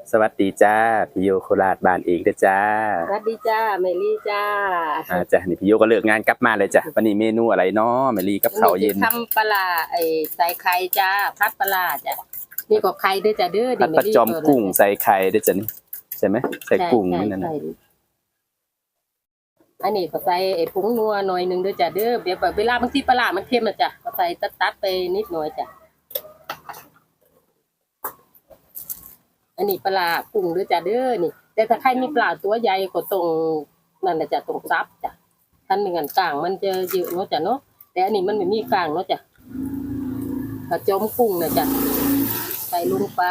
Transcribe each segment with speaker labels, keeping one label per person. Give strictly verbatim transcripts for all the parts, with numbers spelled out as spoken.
Speaker 1: สวัสดีจ้าพี่โยโคราชบ้านเองเด้อจ้า
Speaker 2: สวัสดีจ้าเมลี่จ้า
Speaker 1: อ่าจ้ะนี่พี่โยก็เลิกงานกลับมาเลยจ้ะวันนี้เมนูอะไรเนาะเมลี่กับข้าวเย็น
Speaker 2: ทำปลาไอ้ใส่ไข่จ้าพัดปลาจ้ะนี่ก็ไข่ด้วยจ้ะเด้อ
Speaker 1: ผัดปลาจอมกุ้งใส่ไข่เด้อจ้ะนี่ใช่ไหมใส่กุ้งนี่นั่นน่ะ
Speaker 2: อันนี้ก็ใส่ไอ้ผงนัวหน่อยนึงด้วยจ้ะเด้อเดี๋ยวเวลาบางทีปลามันเค็มนะจ้ะก็ใส่ตัดๆไปนิดหน่อยจ้ะอันนี้ปลากุ้งด้วยจ้ะเด้อนี่แต่ถ้าใครมีปลาตัวใหญ่ก็ตรงนั่นน่ะจ้ะตรงซับจ้ะท่านมีงานกลางมันจะเยอะเนาะจ้ะเนาะแต่อันนี้มันไม่มีกลางเนาะจ้ะกระจอมกุ้งนะจ้ะใส่ลงไป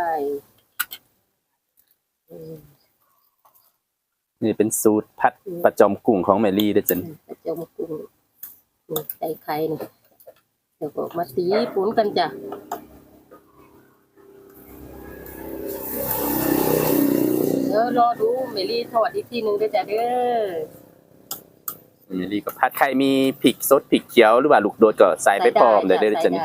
Speaker 1: นี่เป็นสูตรผัดปลาจอมกุ้งของเมลี่เด้อจ้ะนี่
Speaker 2: กระจอมกุ้งใส่ไข่นี่เดี๋ยวก็มาตีปุ้นกันจ้ะเดี๋ยวรอดูเมลี่ทอดอีกทีนึงด้วยจ้ะเด้อ
Speaker 1: เมลี่ก็ผัดไข่มีพริกสดพริกเขียวหรือว่าลูกโดดก็ใส่ไปพร้อมเลยเด้อจ้ะนี่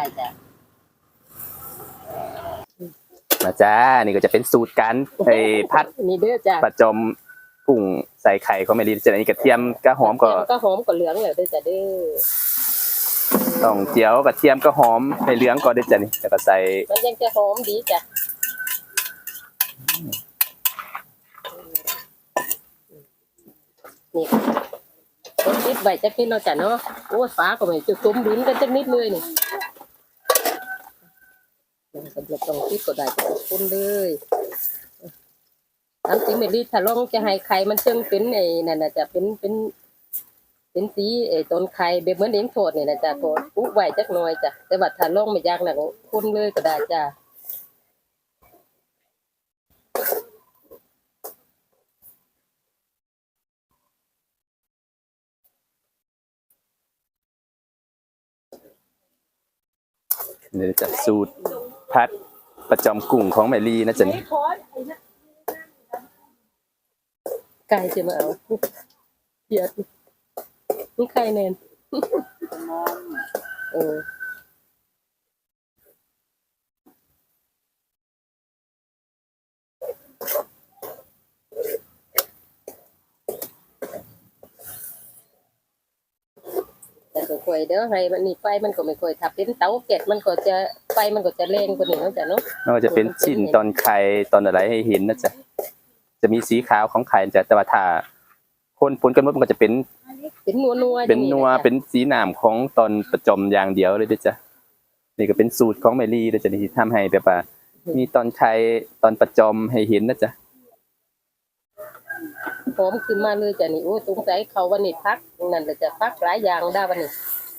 Speaker 1: มาจ้านี่ก็จะเป็นสูตรการไอ้ผัด
Speaker 2: นี่เด้อจ้ะ
Speaker 1: ปลาจอมกุ้งใส่ไข่ของเมลี่จ้ะนี่กระเทียมกระหอมก็
Speaker 2: ก็หอมก็เหลืองเลยเด้อจ้ะเด้อ
Speaker 1: ต้องเจียวกระเทียมก็หอมให้เหลืองก็เด้อจ้ะนี่แล้วก็ใส่
Speaker 2: มันยังจะหอมดีจ้ะนี่ต้นนิดใบจักนิดเนาะจ้ะเนาะโอ้ฟ้าก็ไม่จุดตุ้มดินกันจักนิดเลยนี่สำหรับตรงที่ก็ได้ขอบคุณเลยน้ำจิ้มเมลี่ถ้าลองจะให้ไข่มันเชิงเป็นไอ้นั่นน่ะจะเป็นเป็นเป็นสีไอ้ต้นไข่แบบเหมือนเลี้ยงโทดเนี่ยนะจ้ะโทดปุ๊บไหวจักหน่อยจ้ะแต่ว่าถ้าลองไม่ยากหนักคุ้นเลยก็ได้จ้ะ
Speaker 1: เดี๋ยวจะสูตรผัดปลาจอมกุ้งของเมลี่นะจ๊ะนี่
Speaker 2: ไก่จะมาเอาเยอะนี่ไข่แนนเออแต่ก็ค่อยเด้อให้มันนี่ไฟมันก็ไม่ค่อยถ้าเป็นเตาแก๊สมันก็จะไฟมันก็จะแรงกว่านี้เนาะจ้ะเนาะ
Speaker 1: ก็จะเป็นชิ้นตอนไข่ตอนอะไรให้เห็นนะจ๊ะจะมีสีขาวของไข่จ้ะแต่ว่าถ้าคนปนกันหมดมันก็จะเป็น
Speaker 2: เป็นนัวนัว
Speaker 1: เป็นนัวเป็นสีน้ำของตอนประจอมอย่างเดียวเลยด้วยจ้ะนี่ก็เป็นสูตรของเมลี่ด้วยจ้ะที่ทำให้แบบว่ามีตอนไข่ตอนประจอมให้เห็นนะจ๊ะ
Speaker 2: หอมขึ้นมาเลยจ้ะนี่โอ้สงสัยเขาวันนี้พักนั่นแหละจะพักหลายอย่างได้วันนี้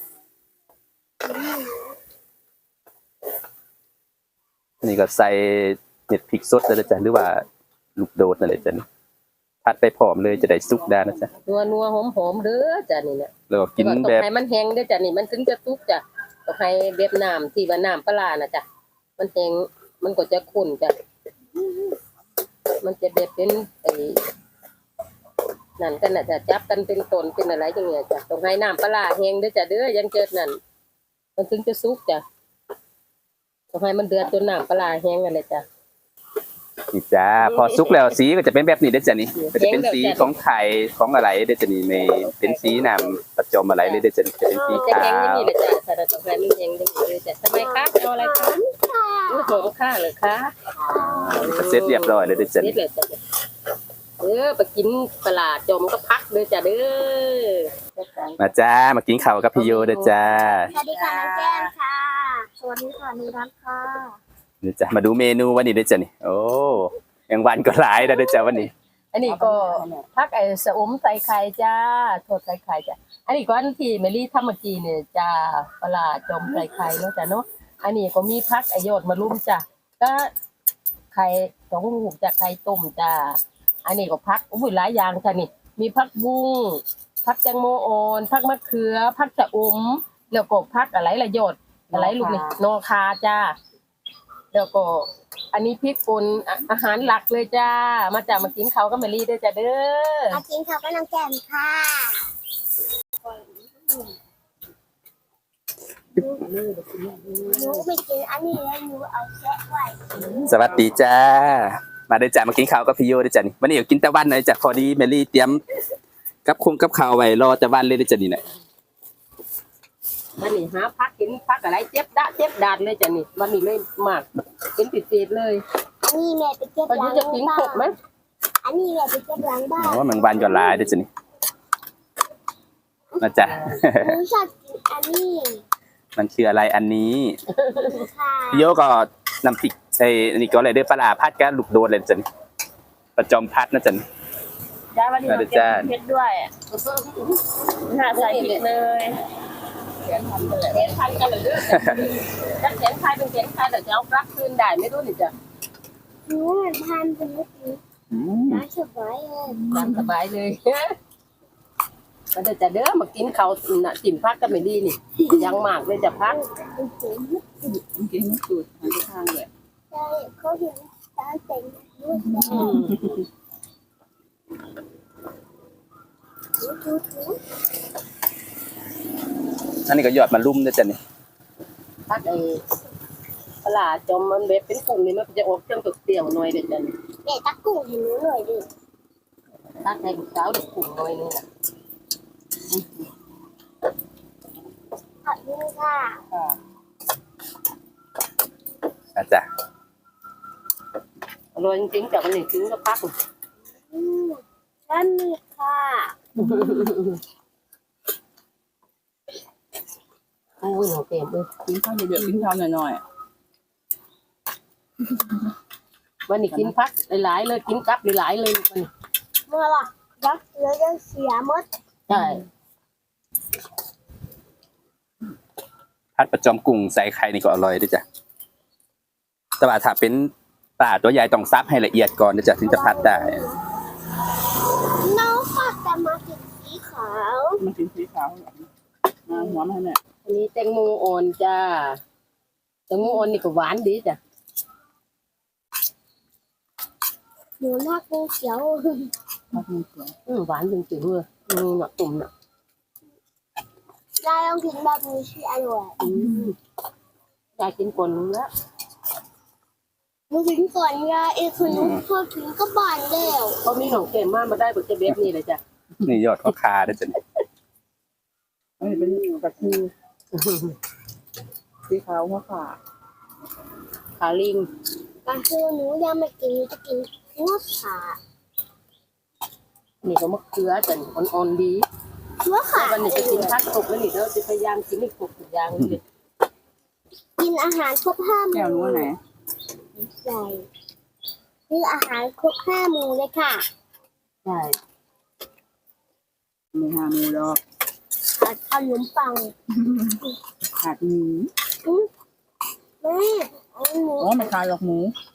Speaker 1: นี่ก็ใส่เม็ดพริกสดเลยจ้ะหรือว่าลูกโดดนั่นแหละจ้ะผัดไปพร้อมเลยจะได้สุกได้นะจ๊ะ
Speaker 2: นัวนัวหอมหอมเด้อจ้ะนี่เนี่ย
Speaker 1: แล้วก็กินแบบ
Speaker 2: ให้มันแห้งเด้อจ้ะนี่มันถึงจะสุกจ้ะต้องให้เบียบน้ำที่ว่าน้ำปลาน่ะจ้ะมันแห้งมันก็จะข้นจ้ะมันจะแบบเป็นไอ้นั่นกันน่ะจะจับกันเป็นต้นเป็นอะไรอย่างเงี้ยจ้ะต้องให้น้ำปลาแห้งเด้อจ้ะเด้อยังเกิดนั่นมันถึงจะสุกจ้ะต้องให้มันเดือดจนน้ำปลาแห้งกันเลยจ้ะ
Speaker 1: นี่จ้าพอสุกแล้วสีก็จะเป็นแบบนี้เด้อจ้ะนี่ก็จะเป็นสีของไข่ของอะไรเด้อจ้ะนี่ไม่เป็นสีน้ำประจอมอะไรเลยเด้อจ้ะนี่จะเป็นสีขาว
Speaker 2: จะแห้งอย่างนี้เลยจ้ะถ้าเราต้องให้มันแห้งอย่างนี้เลยจ้ะทำไมคะเอาอะไรคะอุ้ยหอมค่ะเลยคะ
Speaker 1: เสร็จเรียบร้อยเลยเด้อจ้ะนี่
Speaker 2: เออไปกินปลาจอมก็พักเลยจ้ะเด้อ
Speaker 1: มาจ้ามากินข้าวกับพี่โยเด้อจ้า
Speaker 3: สวัสดีค่ะน้องแก้มค่ะสวัสดีค่ะนิรันดร์ค่ะ
Speaker 1: เดี๋ยวจ้ะมาดูเมนูวันนี้เด้อจ้ะนี่โอ้ยังวันก็หลายแล้วเด้อจ้ะวันนี้
Speaker 2: อันนี้ก็พักไอ้สะอมใส่ไข่จ้าทอดใส่ไข่จ้ะอันนี้ก็อันที่เมลี่ทำเมื่อกี้เนี่ยจ้าปลาจอมใส่ไข่เนาะจ้ะเนาะอันนี้ก็มีพักไอ้ยอดมะรุมจ้ะก็ไข่สองลูกจากไข่ต้มจ้าอันนี้ก็พักอุ้ยหลายอย่างจ้ะนี่มีพักบุ้งพักแตงโมอ่อนพักมะเขือพักชะอมแล้วก็พักอะไรละยอดอะไรลูกนี่นอคาจ้าแล้วก็อันนี้พริกป่นอาหารหลักเลยจ้ามาจากมากินเขาก็มารีด้วยจ้าเด้อ
Speaker 3: มากินเขาก็น้องแก้มค่ะหนูไม่กินอันนี้แล้วหนูเอาแกะไว้
Speaker 1: สวัสดีจ้ามาได้อจ้ะมากินข้าวกับพี่โยได้อจ้ะนี่วันนี้ก็กินแต่วันเลยจ้ะพอดีเมลี่เตรียมกับคงกับข้าวไว้รอแต่วันเลยได้อจ้ะนี่น่ะ
Speaker 2: วันนี้หาพักกินพักอะไรเจ็บดะเจ็บดาดเลยจ้ะนี่วันนี้เลยมากเป็นปิดๆเลย
Speaker 3: อันนี้แม่ไปเก็บ
Speaker 2: พอ
Speaker 3: ห
Speaker 2: ดี
Speaker 3: ลัง
Speaker 2: จะกิน
Speaker 3: บ้า
Speaker 2: ครบไหม
Speaker 3: นอันนี้แม่ไปเก็บหลังบ้าน
Speaker 1: อ๋อแมงวันก็หลายได้อจ้ะนี่นะจ๊ะ
Speaker 3: หนูชอบกินอันนี้
Speaker 1: มันคืออะไรอันนี้
Speaker 3: ค่ะ
Speaker 1: พี่โยก็น้ำพริกไอ้นี่ก็อะไรเด้อปลาร้าพัดกับลูกโดดเลยจ้ะนี่ประจอมพัดนะจ้ะนี่
Speaker 4: จ้าวันนี้เราเก็บเพชรด้วยหาใส่ผิดเลย
Speaker 2: แขนพันกันเลยแขนพันกันเลยเด้อถ้าแขนใครเป็นแขนใครแต่จะเอารักคืนได้ไม่รู้นี่จ้ะ
Speaker 3: หนูเหมือนพันเป็นเมื่อกี้
Speaker 1: อืม
Speaker 3: น่าสบายเลย
Speaker 2: ตามสบายเลยมันจะเด้อมากินข้าวน่ะจิ้มพักก็ไม่ดีนี่ยังมากเลยจะพัก
Speaker 4: กินสูตรหาทางเลย
Speaker 3: ใช่เขาเห็นตาเต็งด้วยแซ่ดูดูดู
Speaker 1: อันนี้ก็ยอดมะลุ่มนะจ้ะนี่
Speaker 2: พักไอ้ปลาจอมมันแบบเป็นกุ้งนี่มันจะออกเครื่องตกเตี่ยวหน่อยเด็ดจ้ะนี่
Speaker 3: แม่ตักกุ้งให้หนูหน่อยดิ
Speaker 2: พักให้ลูกสาวเด็กกุ้งหน่อยนี่นะ
Speaker 3: ขอบคุณค่ะ
Speaker 1: นะจ๊ะ
Speaker 2: อร่อยจริงๆจากวันนี้กินก็พัก
Speaker 3: อืมนั่นนี่ค่ะ
Speaker 2: โอ้ยหนูเต็มเลย
Speaker 4: กินข้าวเยอะๆกินข้าวหน่อย
Speaker 2: วันนี้กินพักหลายๆเลยกินกับหลายๆเลยวันนี้
Speaker 3: เมื่อล่ะรักแล้วจะเสียหมด
Speaker 2: ใช่
Speaker 1: พัดประจอมกุ้งใส่ไข่นี่ก็อร่อยด้วยจ้ะแต่ว่าถ้าเป็นปลาตัวใหญ่ต้องซับให้ละเอียดก่อนนะจ๊ะถึงจะพัดได้
Speaker 3: น้องฝากแต่มากินสีขาว
Speaker 4: ๆมันกินสีขาวมาหัวมันเนี่ย
Speaker 2: อันนี้แตงโมอ่อนจ้าแตงโมอ่อนนี่ก็หวานดีจ้ะ
Speaker 3: หนูรักงูเขียว
Speaker 4: มากินเสือ
Speaker 2: อืมหวานจริงๆเลยอืมหนักตุ่มน่ะ
Speaker 3: ยายลองกินแบบนี้สิอร่อย
Speaker 2: อืมยายกินก่อนนึงแล้ว
Speaker 3: หนูกินก่อนยายเอ้คือหนูพอกินก็บานแล้ว
Speaker 2: เขามีของเค็มมากมาได้บนเจเบฟนี่เลยจ้ะ
Speaker 1: นี่ยอดข้อคาด้วยจ้ะนี่
Speaker 4: อันนี้เป็นกระทือสีขาวหัวขา
Speaker 2: ขาลิง
Speaker 3: ก็คือหนูยังไม่กินหนูจะกินหัวขา
Speaker 2: นี่ก็มะเขือจ้ะนี่อ่อนๆดี
Speaker 3: หัวขา
Speaker 2: แล้ววันนี้จะกินพักตกแล้วนี่เราจะพยายามกินให้ครบทุกอย่างเลย
Speaker 3: กินอาหารครบห้าห
Speaker 4: แก้ว
Speaker 3: มู่
Speaker 4: นู้นไหน
Speaker 3: ใช่คืออาหารครบห้าหมู่เลยค่ะ
Speaker 2: ใช่
Speaker 4: มีหาหมูดอก
Speaker 3: ขาดขนมปัง
Speaker 4: ขาดหมู
Speaker 3: อืมแม่เอาหมู
Speaker 4: อ๋อไม่ขาดหรอกหมู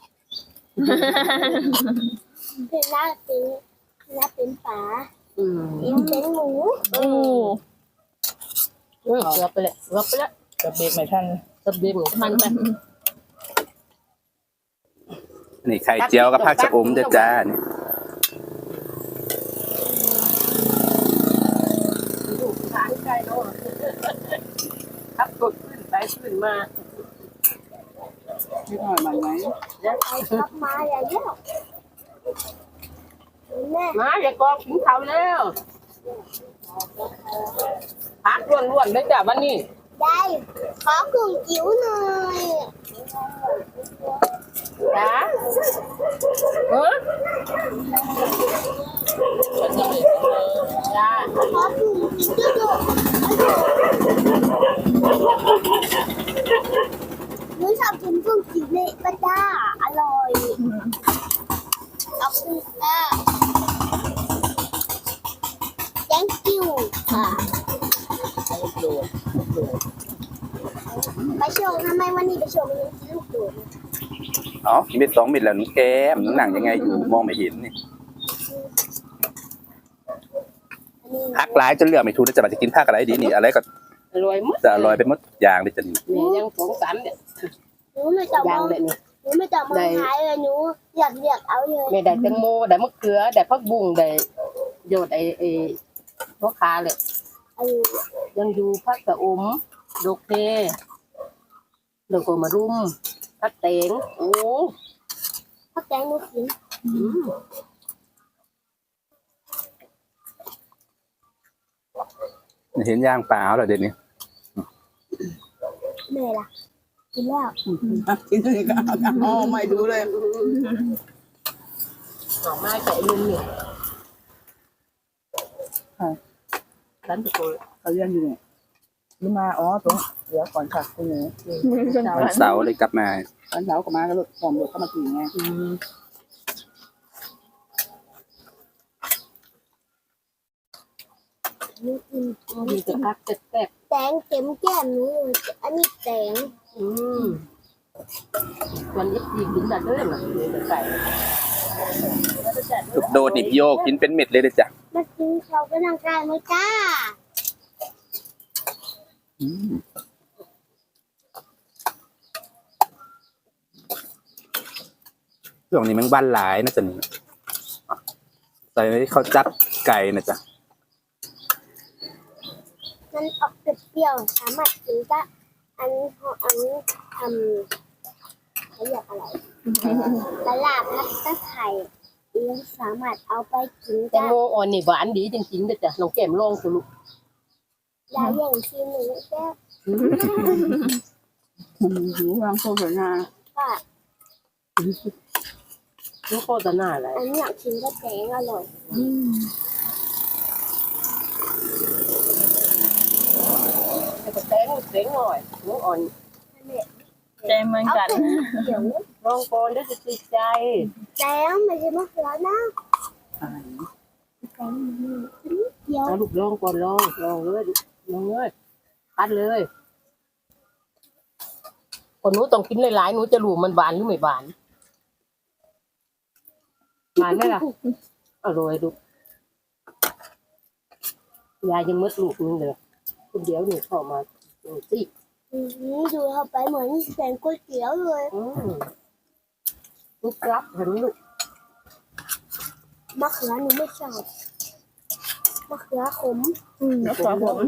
Speaker 3: เป็นลาบเป็นลาบเป็นปลา
Speaker 2: อืม
Speaker 3: เป็นเป็นหมู
Speaker 4: โอ้
Speaker 2: เออเกือบไปเลยเกือบไปแล้ว
Speaker 4: กระเบกไม่ทัน
Speaker 2: กระเบียงทันไป
Speaker 1: นี่ไข่เจียวกับผักชะอมด้วยจ้านี่
Speaker 2: ลูกทานไก่โดนขับรถขึ้นไปขึ้นมา
Speaker 4: นิดหน่อยมันไหม
Speaker 2: แล้ว
Speaker 3: ไปกลับมาอย่างเดียวแม่
Speaker 2: มาอย่ากองกินข้าวแล้วพักล้วนๆเลยจ้ะวันนี้
Speaker 3: ยายขอกุ้งจิ๋วหน่อย
Speaker 2: จ้าเออจ้า
Speaker 3: ขอกุ้งจิ๋วด้วยหนูชอบกินกุ้งจิ๋วในปลาด้าอร่อยขอบคุณค่ะ thank you ค่ะไปโชว์ทำไมวันนี้ไปโชว์มันยังกินลูกโดด
Speaker 1: อ๋อเม็ดสองเม็ดแล้วน้องแก้มน้องหนังยังไงอยู่มองไม่เห็นนี่
Speaker 3: อันนี้
Speaker 1: พักหลายจนเลือกไม่ถูกแล้วจะมาจะกินผักอะไรดีนี่อะไรก็
Speaker 2: อร่อยหมด
Speaker 1: จะอร่อยไปหมดอย่างเลยจ้ะนี่
Speaker 2: นี่ยังสองสามเนี่ย
Speaker 3: หนูไม่ต้องม
Speaker 2: ยั
Speaker 3: อง ง
Speaker 2: เลยนี่
Speaker 3: หนูไม่ต้องมองหายเลยหนูอยากเรียกเอาเลย
Speaker 2: ไม่ได้แตงโมได้มะเขือได้ผักบุ้งได้โยดไอ้ไอ้หัวขาเลย
Speaker 3: อันนี้
Speaker 2: ยังอยู่ผักกระอมดอกเพแล้วก็มารุมผักเตงโอ้
Speaker 3: พักแตงหนูกิน
Speaker 2: อืม
Speaker 1: เห็นย่างปลาเอาเหรอเดี๋ยวนี้
Speaker 3: แม่ล่ะกินแล้ว
Speaker 5: อ่ะกินเลยก็อ๋อไม่ดูเลย
Speaker 2: ดอกไม้แต่ลุงเนี่ย
Speaker 5: ค่ะ
Speaker 2: ฉันตะโกน
Speaker 5: เขาเรียนอยู่เนี่ยนี่มาอ๋อตรงเดี๋ยวก่อนค่ะคุณหนู
Speaker 1: วันเสาร์เลยกลับมา
Speaker 5: วันเสาร์ก็มาก็รถหอมรถเข้ามาถึงไง
Speaker 2: อืม
Speaker 3: หนูกิน
Speaker 2: มีแต่พักแซ่บ
Speaker 3: แตงเต็มแก้มหนูเลยอันนี้แตง
Speaker 2: ๆอืมวันนี้ดีกินแต่เด้อน่ะมีแต่ไก่
Speaker 1: ลูกโดดนี่พี่โยกินเป็นเม็ดเลยเด้อจ้ะ
Speaker 3: มากินเขากำลังกายไหมจ้า
Speaker 1: อืมช่วงนี้มันบ้านหลายนะจ๊ะนี่ใส่ข้าวจับไก่นะจ๊ะ
Speaker 3: มันออกเปรี้ยวๆสามารถกินได้อันเขาอันทำเขาเรียกอะไรตลาดพัดตะไคร่ยังสามารถเอาไปกิน
Speaker 2: แตง
Speaker 3: ได้
Speaker 2: โมอ่อนนี่หวานดีจริงๆเด้อจ้ะน้องแก้มลองสิลูก
Speaker 3: ยาอย่างที่หนูแก้
Speaker 2: อืม
Speaker 5: อืมหูวางโคตรนา
Speaker 3: ว่า
Speaker 2: ลูกโคตรน่าอะไร
Speaker 3: อันนี้อยากกินก็แตงอร่อย
Speaker 2: แต่ก็แตงแตงหน่อยลูกอ่อน
Speaker 4: ใจเหมือน
Speaker 3: เอา
Speaker 4: กัน
Speaker 3: เป็นเดี๋ยว
Speaker 2: ลองก่อนเด้อสิติดใจ
Speaker 3: แตงไม่ใช่มะเขือนะ
Speaker 5: อ่า
Speaker 3: แตงเดี๋ยว
Speaker 2: เอาลูกลองก่อนลองลองเลยลองเลยปัดเลยคนหนูต้องกินหลายๆหนูจะรู้มันหวานหรือไม่หวานหวานไหมล่ะอร่อยลูกยายยังมืดลูกนึงเลยคนเดียวหนูเข้ามาดูสิ
Speaker 3: อืมดูเข้าไปเหมือนแสงก๋วยเตี๋ยวเลย
Speaker 2: อืมลูกรับเห็นลูก
Speaker 3: มะเขือหนูไม่ชอบมะเขือขม
Speaker 5: อืม
Speaker 4: แล้วขอผม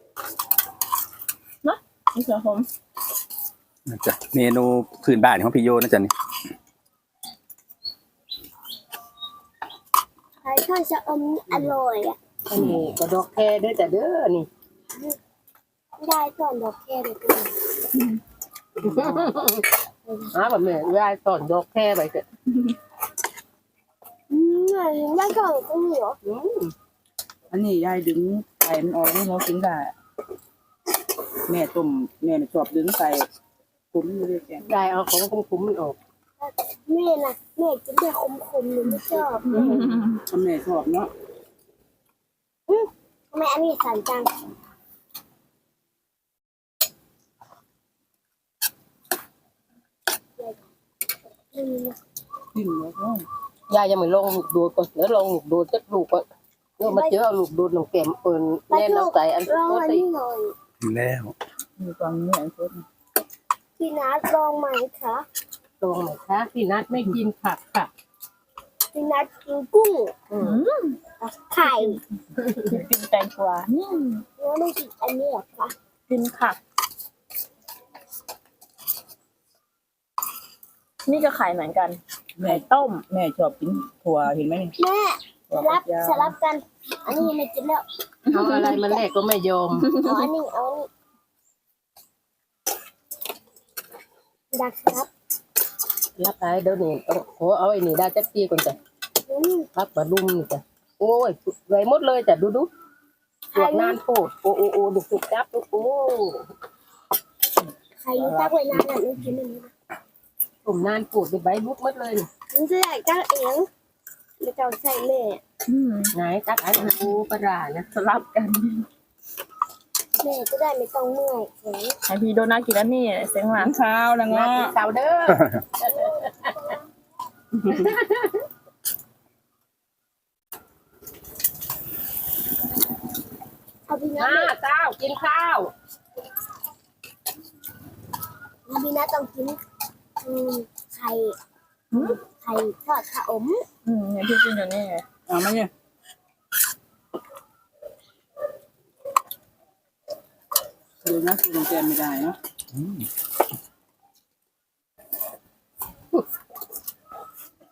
Speaker 4: เนาะนี่ขอผม
Speaker 1: นะจ๊ะเมนูพื้นบ้านของพี่โยนะจ๊ะนี่
Speaker 3: ใครชอบชะอมอร่อยอ่ะ
Speaker 2: อันนี้ก็ดอกแคเด้อแต่เด้อนี่
Speaker 3: ได้ก่อนดอกแคเลยคุณ
Speaker 2: อ้าแบบนี้ยายสอนดอกแคไปเถอะ
Speaker 3: อืมได้ก่อนก็มีเหรอ
Speaker 2: อืม
Speaker 5: อันนี้ยายดึงไก่มันออกให้เรากินได้แม่ต้มแม่น่ะชอบดึงไก่ผมอยู่เลยแกง
Speaker 2: ยายเอาของคุ้มๆมันออก
Speaker 3: แม่น่ะแม่กินแต่ขมๆหนูไม่ชอบ
Speaker 5: แม่ชอบเนาะ
Speaker 3: ทำไมอันนี้สั่นจังอืม
Speaker 5: กินแล้วก็
Speaker 2: ยายยังไม่ลองลูกดูดก่อนเดี๋ยวลองลูกดูดสักลูกก่อนเดี๋ยวมาเจอเอาลูกดูดน้องแก้มเปินแน่นเอาใส่อัน
Speaker 3: ลอง
Speaker 2: โคต
Speaker 3: อัน
Speaker 2: ร
Speaker 3: นี้หน่อย
Speaker 1: แล้ว
Speaker 5: มีความเหนื่อยสุด
Speaker 3: พี่นัทลองไหมคะ
Speaker 2: ลองหน่อยคะพี่นัทไม่กินผักค่ะ
Speaker 3: พี่นัทกินกุ้ง
Speaker 2: อืม
Speaker 3: ไข่
Speaker 4: กินแตงกวา
Speaker 3: แล้วไม่กินอันนี้เหรอคะ
Speaker 4: กินผัก นี่ก็ขายเหมือนกัน
Speaker 5: แม่
Speaker 4: ไข่ต้ม
Speaker 5: แม่ชอบกินถั่วเห็นไหมนี่
Speaker 3: แม่ส
Speaker 5: ถั่ว
Speaker 3: ลั
Speaker 5: ฝั
Speaker 3: บ
Speaker 5: กยาว
Speaker 3: สลับกัน อันนี้ไม่กินแล้ว
Speaker 2: เอาอะไรมาแลกก็ไม่ยอม
Speaker 3: เอาอันนี้เอาอันนี้ดักครับ
Speaker 2: รับไปเดี๋ยวนี้ต้องโอ้เอาไอ้นี่ได้จักกี้ก่อนจ้ะ
Speaker 3: อืม
Speaker 2: รับมาดุมนี่จ้ะโอ้ยไว้หมดเลยจ้ะดูดูหวกนานโพดโอ้โอ้โอ้ดูสุกจับดูโอ้
Speaker 3: ใครรู้ตักไว้นานน่ะหนูกินอันนี้นะ
Speaker 2: ผมนานโพดไปใบลุกหมดเลยนี่
Speaker 3: หนูจะใส่ตักเองไม่ต้องใส่แม่
Speaker 2: ไหนตักไอ้โอ้ปลาร้านะ
Speaker 4: สลับกัน
Speaker 3: แม่จะได้ไม่ต้องเมื่อยแขน
Speaker 4: ให้พี่โดนัทกินแล้วนี่เสียงหลั
Speaker 5: กิ
Speaker 4: ง
Speaker 5: นข้าวแล้ว
Speaker 2: มา
Speaker 5: เงาะ
Speaker 2: กินข้าวเด้อ
Speaker 3: เอาพี่นัท
Speaker 2: มาเจ้ากินข้าว
Speaker 3: เอาพี่นัทต้องกินอืมไข่ไข่ทอดชะอม
Speaker 4: อืมเนี่ยพี่กินอยู่นี่
Speaker 5: เอามาเนี่ยดูนะกินแกงไม่ได้เนาะ
Speaker 1: อืม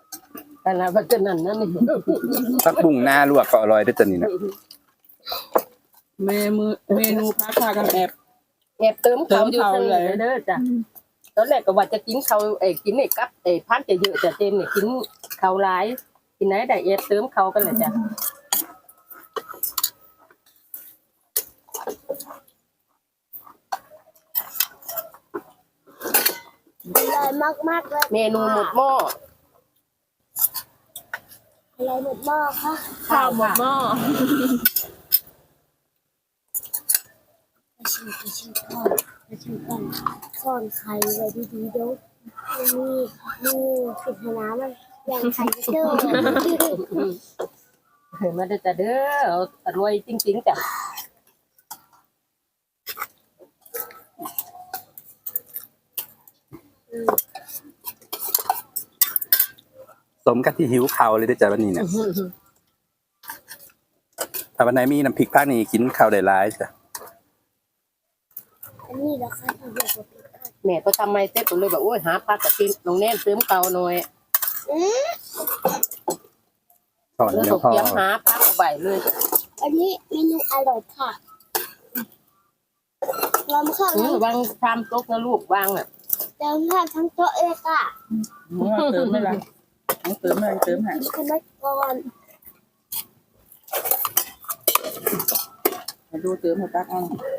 Speaker 2: แต่ละพัฒนันนั่นนี่
Speaker 1: ผักบุ้งหน้าลวกก็อร่อยเด้อจ้ะนี่นะ
Speaker 5: เมนูเมนูพักพากันแอบ
Speaker 2: แอบเติมเขาอยู่
Speaker 5: เติม
Speaker 2: ทาง
Speaker 5: เขา
Speaker 2: นี้
Speaker 5: เลย
Speaker 2: เด้อจ้ะตอนแรกก็ว่าจะกินเขาเอ้ยกินไอ้กับไอ้พันจะเยอะจ้ะเจมเนี่ยกินเขาหลายกินไหนได้แอบเติมเขากันเลยจ้ะ
Speaker 3: อร่อยมากๆเลย
Speaker 2: เมนูหมดหม้อ
Speaker 3: อะไรหมดหม้อคะ
Speaker 4: ข้าวหมดหม้อ
Speaker 3: ไปชิมไปชิมก่อนไปชิมก่อนซ่อนไข่ไว้ดีๆเดี๋ยวมีมีสิบน้ำมันอย่างไข่จะเจอ
Speaker 2: เห็นมาเด้อจ้ะเด้ออร่อยจริงๆจ้ะ
Speaker 1: สมกับที่หิวข้าวเลยเด้อจ้ะวันนี้เนี่ยถ้าวันไหนมีน้ำพริกภาคนี้กินข้าวได้หลายจ้ะ
Speaker 3: อันนี้เหราคาที่เดียวกับพริกค่ะ
Speaker 2: แม่ก็ทำไมเต้ก็เลยแบบโอ้ยหาพักกับกินน้องแน่นเติมเขาหน่อย
Speaker 3: อืม
Speaker 1: สอน
Speaker 2: แล้ว
Speaker 1: เดี๋ย
Speaker 2: ก็
Speaker 1: วพ่อ
Speaker 2: เตรียมหาพักเอาไปเลย
Speaker 3: อันนี้เมนูอร่อยค่ะลำข้าว
Speaker 2: อืมวางชามโต๊ะนะลูกวางอ่ะ
Speaker 3: เติมข้าวทั้งโต๊ะเลยค่ะ
Speaker 5: เติมไม่ละต้องเติมไม่เติมให้
Speaker 3: กินขนมก่อน
Speaker 5: มาดูเติมให้ตักเอา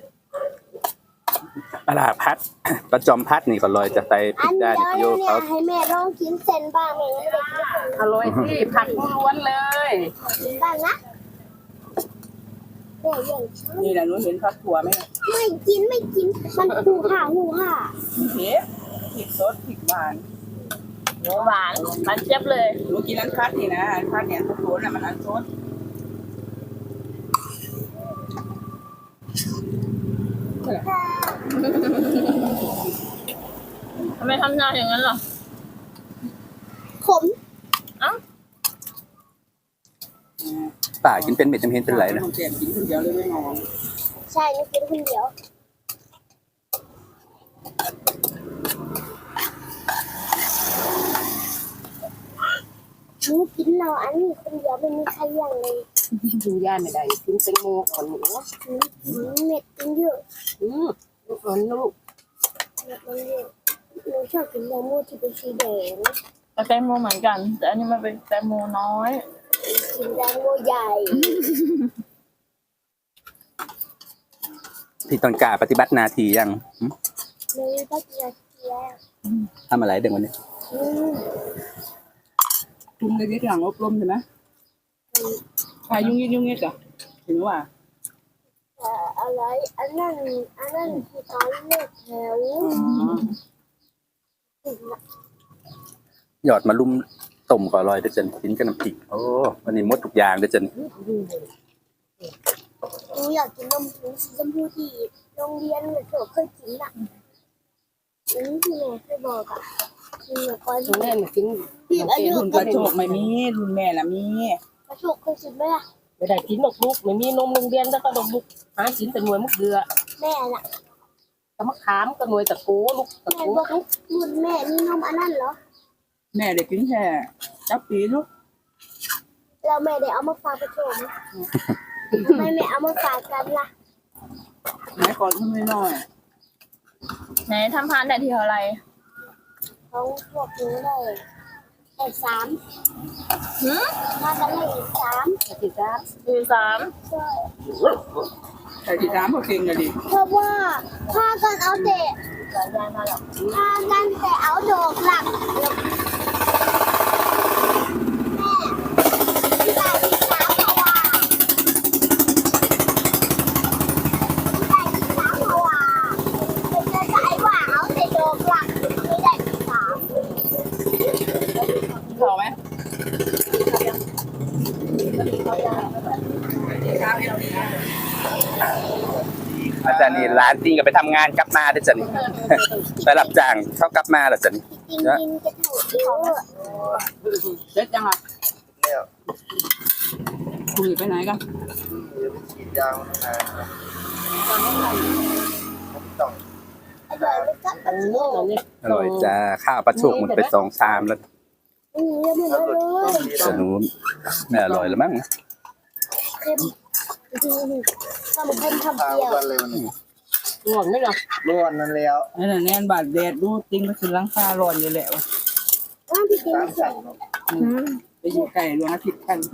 Speaker 1: ปลาร้าพัด ปลาจอมพัดนี่ก็อร่อยจะใส่พริ
Speaker 3: อั
Speaker 1: ก
Speaker 3: น
Speaker 1: ด้า
Speaker 3: เดี
Speaker 1: น
Speaker 3: ยว
Speaker 1: โย
Speaker 3: เนี่ย
Speaker 1: เขา
Speaker 3: ให้แม่ลองกินเส้นบ้างแม่ยังไม่ได้กินเส้น
Speaker 2: อร่อยที่ผักล้วนๆเลย
Speaker 3: กินบ้างนะแม่ยังชอบ
Speaker 5: นี่แหละหนูเห็นผักถั่วไหม
Speaker 3: ไม่กินไม่กินมันหูห่าหูห่า
Speaker 5: เผ็ดพริกสดพริกหวาน
Speaker 4: หวานหวานเจี๊ยบเลย
Speaker 5: หนูกินอันคัดนี่นะอันคัดเนี่ยผักถั่วน่ะมันอันสด
Speaker 4: ทำไมทำหน้าอย่างนั้นหรอ
Speaker 3: ขม
Speaker 1: ป่ากินเป็นเม็ดจำเห็นเป็นไรนะ
Speaker 5: ต้องแกมกินคนเดียวเลยไม่งอง
Speaker 3: ใช่นี่กินคนเดียวหนูกินเราอันนี้คนเดียวไม่มีใครอย่างเลย
Speaker 2: ดูย่าไม่ได้กินแตงโมก่อนหนู
Speaker 3: หนูกินเม็ดกินเยอะ
Speaker 2: อืมลูกอ่อนลูก
Speaker 3: เม็ดมันเยอะหนูชอบกินแตงโมที่เป็นสีแดง
Speaker 4: แต่แตงโมเหมือนกัน แต่อันนี้มันเป็นแตงโมน้อย
Speaker 3: กินแตงโมใหญ่
Speaker 1: ที่ตอนกาปฏิบัติหนาทียังหึ
Speaker 3: เลยก็จะเกียร์
Speaker 1: ทำอะไรเด็กวันนี้
Speaker 3: อืม
Speaker 5: จุ่มในที่หลังอบรมใช่ไหมใครยุ่งยิกยุ่งยิกอ่ะเห็นว่า
Speaker 3: แต่อะไรอันนั้นอันนั้นคือตอนเลือกแถว
Speaker 1: หยอดมาลุ่มต้มก็อร่อยเด้อจันกินกับน้ำพริกโอ้วันนี้หมดทุกอย่างเด้อจัน
Speaker 3: หนูอยากกินนมผงสีชมพูที่โรงเรียนหนูเคยกินอ่ะอันนี้ที่แม่เคยบอกอ่ะคือก่อน
Speaker 2: น้องแน่นกิน
Speaker 3: พี่อายุ
Speaker 5: รุ่นกระโจกไม่มีรุ่นแม่ละมี
Speaker 3: กระโชกเคยกินไหมล่ะ
Speaker 2: ไม่ได้กินหรอกลูกไม่มีนมโรงเรียนแล้วก็ดอกลูกหากินแต่หน่วยมุกเดือ
Speaker 3: แม่ล่ะ
Speaker 2: กะมะขามก็หน่วยตะโกลูกตะ
Speaker 3: แม่
Speaker 2: โก
Speaker 3: บอกรุ่นแม่นี่นมอันนั้นเหรอ
Speaker 5: แม่ได้กินแค่จับปีลูก
Speaker 3: เราแม่ได้เอามาฝากกระโชกไหมทำไมไม่เอามาฝากกันล่ะ
Speaker 5: แม่ก่อนทำไม่น้อย
Speaker 4: ไหนทำพานแต่ที่เท่าไหร
Speaker 3: ของพวกหนูได้ได้สาม
Speaker 4: หืม
Speaker 3: มากันได้สาม
Speaker 2: ติดจ้า
Speaker 4: สี่สาม
Speaker 3: ใช่
Speaker 5: แต่ที่ร้านพอเก่งกันดิ
Speaker 3: เพราะว่าพากันเอาแต่
Speaker 4: สายยายมาหรอ
Speaker 3: พากันแต่เอาดอกหลักแม่ที่ได้ที่สามเพราะว่าที่ได้ที่สามเพราะว่าเป็นจะใช้ว่าเอาแต่ดอกหลักไม่ได้ที่สาม
Speaker 5: พอไหม
Speaker 1: อาจารย์นี่ร้านจริงก็ไปทำงานกลับมาเด้อจัน ไปรับจ้างเขากลับมาแล้วจัน
Speaker 3: จริงๆกินจะถูกเยอะ
Speaker 5: เด็ดจังอ่ะคุยไปไหนกัน
Speaker 3: อร่อยไหมครับ
Speaker 2: อันนี้อันนี้
Speaker 1: อร่อยจ้าข้าวปลาชุกหมดไปสองชามแล้ว
Speaker 3: อืมเยอะมากเลย
Speaker 1: สนุกไม่อร่อยแล้วมั้ง
Speaker 3: เค็มจริงๆทำเค็มทำเปรี้ยว
Speaker 6: วันเลยวันนี้
Speaker 2: ง่วงไหมล่ะ
Speaker 6: ร้อนนั่นแล้ว
Speaker 5: นั่นน่ะแน่นบาดแดดดูติ้งก็คือหลังคาร้อนอยู่แล้ว
Speaker 3: ว่างพี่กิน
Speaker 6: ตาม
Speaker 3: เสร็
Speaker 6: สั่
Speaker 3: จ
Speaker 6: ง
Speaker 5: ไปอยู่ไกลดวงอาทิตย์กัน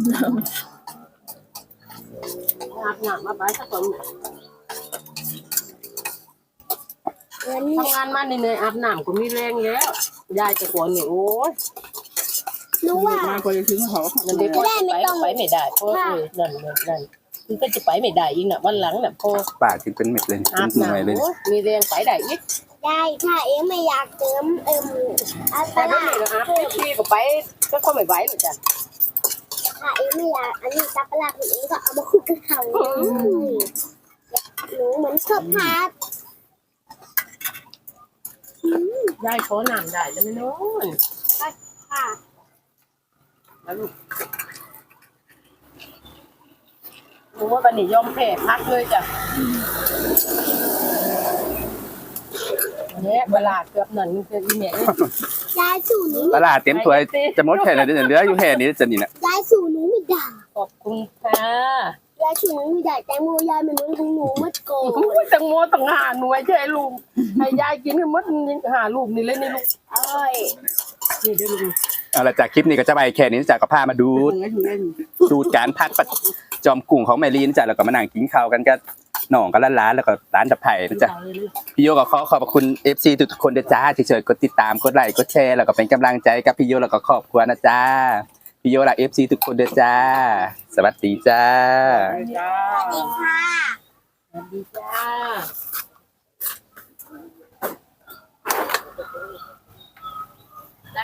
Speaker 2: อาบน้ำมาไปสักคน
Speaker 3: เงิน
Speaker 2: ทำงานมาเหนื่อยๆอาบน้ำก็มีแรงแล้วยายจะกวนนี่โอ้ย
Speaker 3: รู้ว่า
Speaker 5: มาก็จะถึงเขา
Speaker 2: มันเด็กก็ไปไปไม่ได้เพราะเออนั่นนั่นนั่นคือก็จะไปไม่ได้อีกน่ะวันหลังน่ะพอ
Speaker 1: ป่าถึงเป็นเม็ดเลย
Speaker 2: อาบ
Speaker 1: เป็นหน่วย
Speaker 2: น้ำ
Speaker 1: เลย
Speaker 2: โอ้ยมีแรงไปได้อีก
Speaker 3: ได้ถ้าเองไม่อยากเติมเอิ่มอัต
Speaker 2: แต่ไม่
Speaker 3: รา
Speaker 2: มีอาบพี่ก็ไปก็ก็ไม่ไหวเหมือนกัน
Speaker 3: ถ้าเองไม่อยากอันนี้ตับปลาของเองก็เอามาคลุกกับเขาหนูเหมือนชอบทาน
Speaker 2: ยายขอน้ำได้จะไม่นอน
Speaker 3: ค่ะ
Speaker 2: แล้วลูกรู้ว่าวันนี้ยอมแพ้พักเลยจ้ะเนี่ยเวลาเกือบนั่นคืออีเมล
Speaker 3: ยายสู่หนู
Speaker 1: ตลาดเต็มถ้วยจะหมดแค่ไหนเดี๋ยวเหลืออยู่แค่นี้จะนี่นะ
Speaker 3: ยายสู่หนูไม่ได้
Speaker 2: ขอบคุณค่ะ
Speaker 3: ยายสู่หนูไม่ได้แตงโมยายมันเหมือนของหนูมัดโก
Speaker 2: โอ้ยแตังโมต้องหาหน่วยใช่ลูกให้ยายกินให้หมดหาลูกนี่เลยนี่ลูก
Speaker 3: อร่อย
Speaker 2: นี่เดี๋ยวลูก
Speaker 1: เอาละจากคลิปนี้ก็จะไปแค่นี้จากกับพามาดู
Speaker 5: ถึงก็ถึงเล่น
Speaker 1: ดูการพักประจอมกุ้งของแมรีนจ้ะแล้วก็มานั่งกินข้าวกันก็หน่องกันร้านๆแล้วก็ร้านตะไผ่นะจ๊ะพี่โยก็ขอขอบคุณ เอฟ ซี ทุกๆคนด้วยจ้าที่ช่วยกดติดตามกดไลค์กดแชร์แล้วก็เป็นกำลังใจกับพี่โยแล้วก็ครอบครัวนะจ้าพี่โยและ เอฟ ซี ทุกคนด้วยจ้าสวัสดีจ้า
Speaker 5: จ้า
Speaker 3: สวัสดีค่ะ
Speaker 2: สวัสดีจ้า